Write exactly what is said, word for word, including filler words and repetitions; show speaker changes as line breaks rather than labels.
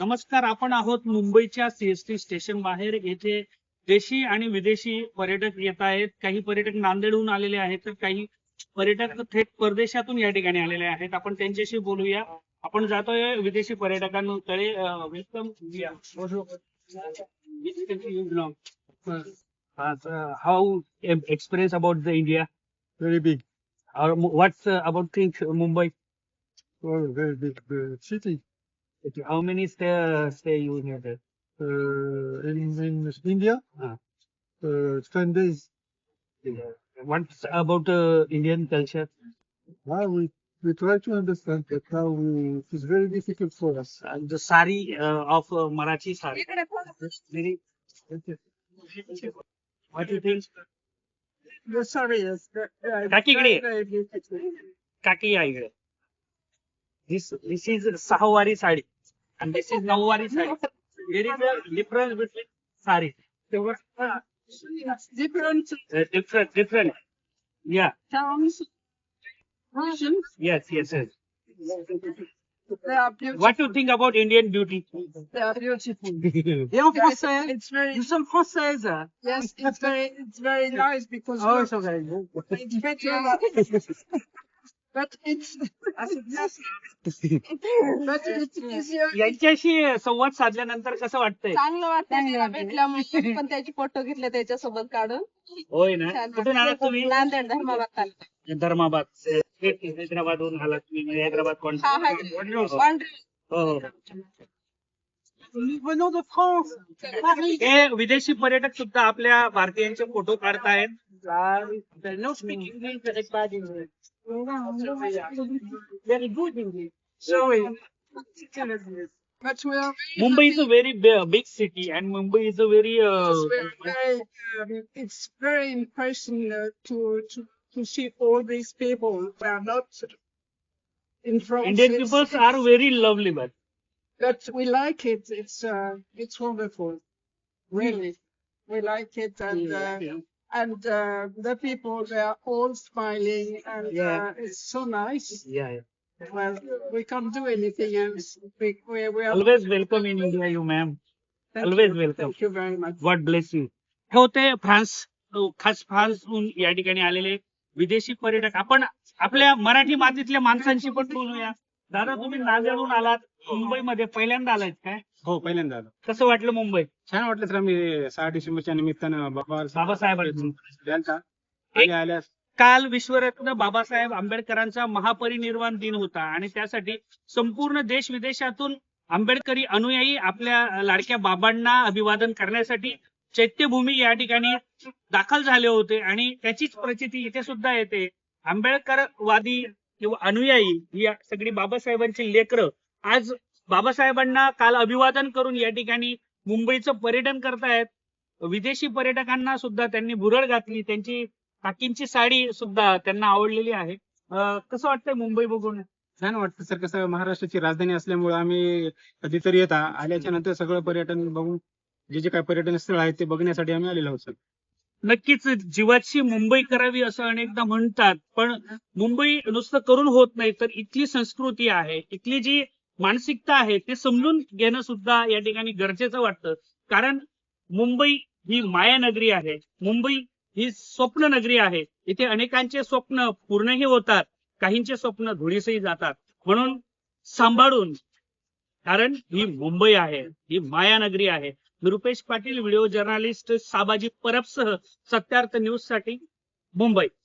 नमस्कार, आपण आहोत मुंबईच्या सीएसटी स्टेशन बाहेर. येथे देशी आणि विदेशी पर्यटक येत आहेत. काही पर्यटक नांदेडहून आलेले आहेत तर काही पर्यटक थेट परदेशातून या ठिकाणी आलेले आहेत. आपण त्यांच्याशी बोलूया. आपण जातोय विदेशी पर्यटकांकडे. Welcome. How experience about the India?
Very big.
What's about things Mumbai?
Oh, very big uh, city.
How many stay stay you here there?
Uh, in, in India,
Ah.
uh, ten days.
What's about uh, Indian culture?
Now we, we try to understand, but now we, it is very difficult for us.
Uh, the sari uh, of uh, Marathi sari. Very. What do you think?
The sorry is
Kaki gre. Kaki आई गए. This this is Sahawari sari and this is Nawari sari. There is a difference between sari. There was uh,
different
uh, different different. Yeah.
towns, regions.
Yes. Yes. Yes.
They are beautiful.
What do you think about Indian beauty?
They are beautiful.
Et en français,
It's very
nous sommes françaises.
yes. It's very it's very nice because
Oh,
look,
it's okay.
it's better. But it's but it's easier.
यांच्याशी संवाद साधल्यानंतर कसं वाटतंय?
चांगलं वाटतं त्याला भेटल्यामुळे पण त्याचे फोटो घेतले त्याच्यासोबत काढून.
होय ना.
छान
कुठून आलात
वाटलं.
तुम्ही?
नांदेड धर्माबाद तालुका.
धर्माबाद. हैदराबादहून आलात तुम्ही? म्हणजे हैदराबाद कोण?
हा हा पांढरी.
हो.
Nous venons de France. Paris.
हे विदेशी पर्यटक सुद्धा आपल्या भारतीयांचे फोटो काढतायत.
They don't speak English, very bad English. Very good English. Sorry.
But we are
Mumbai is a very big city and Mumbai is a very
It's very, very, um, it's very impressive uh, to, to to see all these people. They are not in France.
Indian
it's-
peoples are very lovely. But
But we like it. It's uh, it's wonderful. Really, we like it, and uh, and uh, the people they are all smiling, and
Yeah.
uh, it's so nice.
या
Well, we can't do anything else. We we, we are.
Always welcome in India you ma'am.
Thank
always
you.
welcome.
Thank you very much.
God bless you. हे होते France, अ, खास फ्रान्सहून या ठिकाणी आलेले विदेशी पर्यटक. आपण आपल्या मराठी मातीतल्या माणसांशी पण बोलूया. दादा, तुम्ही नांदेडहून आलात, मुंबईमध्ये पहिल्यांदा आलात काय?
हो, पहिल्यांदा आलो.
कसं वाटलं मुंबई?
छान वाटलं सर. आम्ही सहा डिसेंबरच्या निमित्तानं बाबा
बाबासाहेबांचं.
त्यांचा
एक-
आल्या आल्यास
काल विश्वरत्न बाबासाहेब आंबेडकरांचा महापरिनिर्वाण दिन होता आणि त्यासाठी संपूर्ण देश विदेशातून आंबेडकरी अनुयायी आपल्या लाडक्या बाबांना अभिवादन करण्यासाठी चैत्यभूमी या ठिकाणी दाखल झाले होते आणि त्याचीच प्रचिती इथे सुद्धा येते. आंबेडकरवादी किंवा अनुयायी ही सगळी बाबासाहेबांची लेकरं आज बाबासाहेबांना काल अभिवादन करून या ठिकाणी मुंबईचं पर्यटन करतायत. विदेशी पर्यटकांना सुद्धा त्यांनी भुरळ घातली. त्यांची काकींची साडी सुद्धा त्यांना आवडलेली आहे. अं, कसं वाटतंय मुंबई बघून?
छान वाटतं सर. कसं महाराष्ट्राची राजधानी असल्यामुळे आम्ही कधीतरी येता आल्याच्या नंतर सगळं पर्यटन बघून जे जे काही पर्यटन स्थळ आहेत ते बघण्यासाठी आम्ही आलेलो आहोत सर.
नक्कीच जीवाची मुंबई करावी असं अनेकदा म्हणतात, पण मुंबई नुसतं करून होत नाही, तर इथली संस्कृती आहे, इथली जी मानसिकता आहे ते समजून घेणं सुद्धा या ठिकाणी गरजेचं वाटतं. कारण मुंबई ही मायानगरी आहे. मुंबई ही स्वप्न नगरी आहे. इथे अनेकांचे स्वप्न पूर्णही होतात, काहींचे स्वप्न धुळीसही जातात. म्हणून सांभाळून, कारण ही मुंबई आहे, ही मायानगरी आहे. मी रुपेश पाटील, व्हिडिओ जर्नलिस्ट साबाजी परबसह सत्यार्थ न्यूज साठी मुंबई.